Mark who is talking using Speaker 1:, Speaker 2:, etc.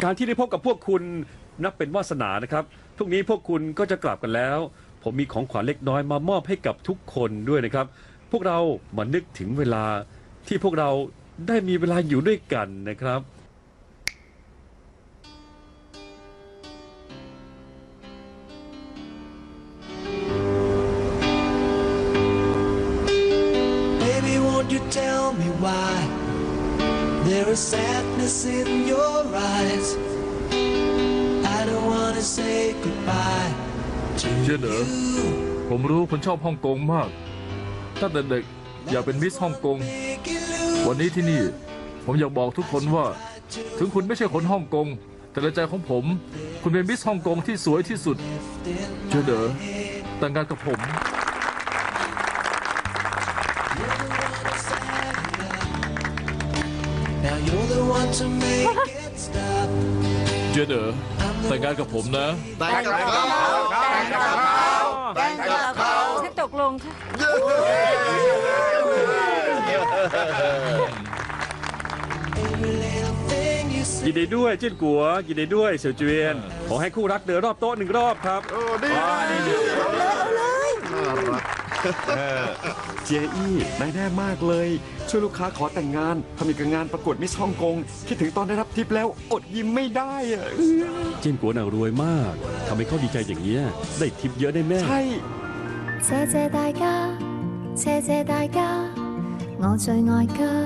Speaker 1: การที่ได้พบกับพวกคุณนับเป็นวาสนานะครับพรุ่งนี้พวกคุณก็จะกลับกันแล้ว ผมมีของขวัญเล็กน้อยมามอบให้กับทุกคนด้วยนะครับ พวกเรามานึกถึงเวลาที่พวกเราได้มีเวลาอยู่ด้วยกันนะครับ
Speaker 2: Baby, won't you tell me why there is sadness in your eyes? I don't wanna say goodbye to
Speaker 3: เชื่อเหรอ
Speaker 2: you.
Speaker 3: ผมรู้คุณชอบฮ่องกงมากตั้งแต่เด็กอยากเป็นมิสฮ่องกง
Speaker 2: Make you lose
Speaker 3: วันนี้ที่นี่ ผมอยากบอกทุกคนว่า ถึงคุณไม่ใช่คนฮ่องกง แต่ในใจของผม คุณเป็นมิสฮ่องกงที่สวยที่สุด เชื่อเหรอแต่งงานกับผม
Speaker 2: Now you're the one to make it stop.
Speaker 3: เชื่อเหรอแต่งงานกับผมนะ
Speaker 4: แต่งกับเขาแต่งกับเขา
Speaker 5: ฉันตกลงค่ะ
Speaker 2: Every little thing you
Speaker 1: ยิ
Speaker 2: say.
Speaker 1: นดีด้วยจิ้นกัวยินดีด้วยเสี่ยวเจียนขอให้คู่รักเดินรอบโต๊ะหนึ่งรอบครับ
Speaker 6: เจอี้นายแน่มากเลย ช่วยลูกค้าขอแต่งงานทำอีกกับงานประกวดมิสฮ่องกงคิดถึงตอนได้รับทิปแล้วอดยิ้มไม่ได้อะ
Speaker 1: จิ้นกัวน่ะรวยมากทำให้เขาดีใจอย่างเงี้ยได้ทิปเยอะได้แน่
Speaker 6: ใช่
Speaker 7: 謝謝大家，謝謝大家，我最愛家。